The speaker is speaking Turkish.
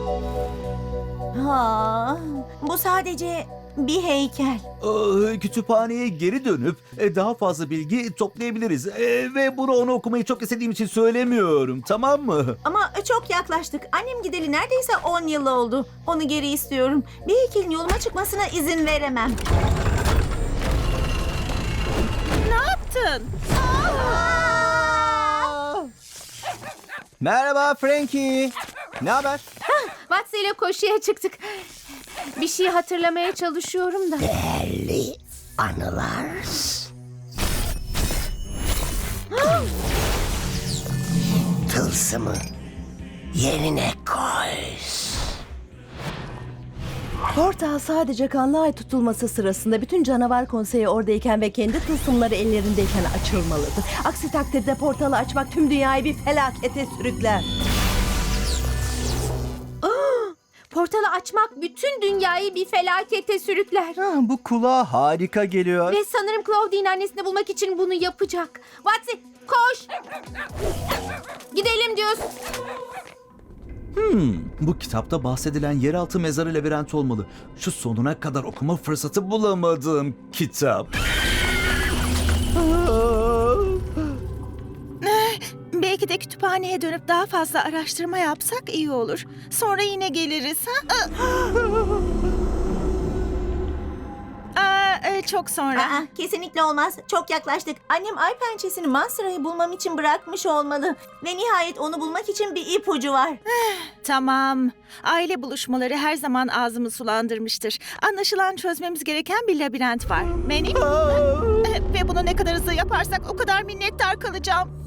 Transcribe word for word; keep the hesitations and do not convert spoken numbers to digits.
Ha, bu sadece bir heykel. Aa, kütüphaneye geri dönüp e, daha fazla bilgi toplayabiliriz. E, ve bunu ona okumayı çok istediğim için söylemiyorum, tamam mı? Ama çok yaklaştık. Annem gideli neredeyse on yıl oldu. Onu geri istiyorum. Bir heykelin yoluma çıkmasına izin veremem. Ne yaptın? Merhaba Frankie. Ne haber? Watson ile koşuya çıktık. Bir şey hatırlamaya çalışıyorum da. Değerli anılar. Tılsımı yerine koy. Portal sadece kanlı ay tutulması sırasında bütün canavar konseyi oradayken ve kendi tılsımları ellerindeyken açılmalıdır. Aksi takdirde portalı açmak tüm dünyayı bir felakete sürükler. Portalı açmak bütün dünyayı bir felakete sürükler. Ha, bu kulağa harika geliyor. Ve sanırım Claudine annesini bulmak için bunu yapacak. Watson koş. Gidelim diyoruz. Hmm, bu kitapta bahsedilen yeraltı mezarı labirenti olmalı. Şu sonuna kadar okuma fırsatı bulamadım kitap. Belki de kütüphaneye dönüp daha fazla araştırma yapsak iyi olur. Sonra yine geliriz. Ha? Aa, e, çok sonra. Aa, kesinlikle olmaz. Çok yaklaştık. Annem ay pençesini Mansura'yı bulmam için bırakmış olmalı. Ve nihayet onu bulmak için bir ipucu var. Tamam. Aile buluşmaları her zaman ağzımı sulandırmıştır. Anlaşılan çözmemiz gereken bir labirent var. Benim. Ve bunu ne kadar hızlı yaparsak o kadar minnettar kalacağım.